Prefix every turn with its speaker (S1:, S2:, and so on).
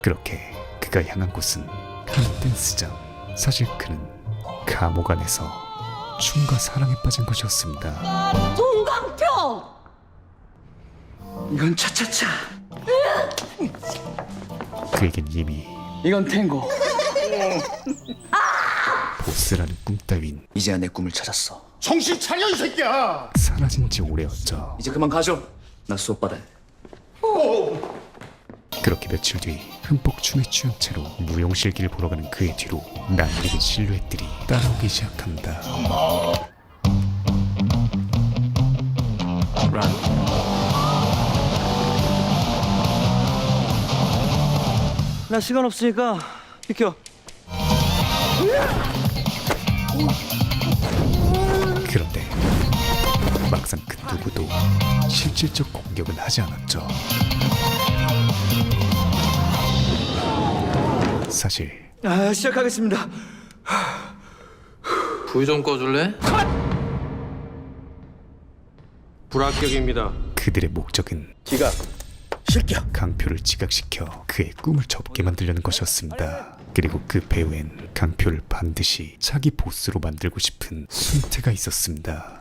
S1: 그렇게 그가 향한 곳은 한 댄스장. 사실 그는 감옥 안에서 춤과 사랑에 빠진 것이었습니다.
S2: 동강표!
S3: 이건 차차차.
S1: 그에겐 이미
S3: 이건 탱고.
S1: 보스라는 꿈 따윈
S3: 이제야 내 꿈을 찾았어.
S4: 정신 차려 이 새끼야.
S1: 사라진 지 오래였죠.
S3: 이제 그만 가죠. 나 수업 받아야 돼.
S1: 그렇게 며칠 뒤 흠뻑 춤에 취한 채로 무용실기를 보러 가는 그의 뒤로 낯익은 실루엣들이 따라오기 시작합니다.
S3: 나 시간 없으니까 비켜.
S1: 그런데 막상 그 누구도 실질적 공격은 하지 않았죠. 사실
S3: 시작하겠습니다.
S5: 불 좀 꺼줄래?
S4: 불합격입니다.
S1: 그들의 목적은
S3: 지각. 실격.
S1: 강표를 지각시켜 그의 꿈을 접게 만들려는 것이었습니다. 그리고 그 배후엔 강표를 반드시 자기 보스로 만들고 싶은 숨태가 있었습니다.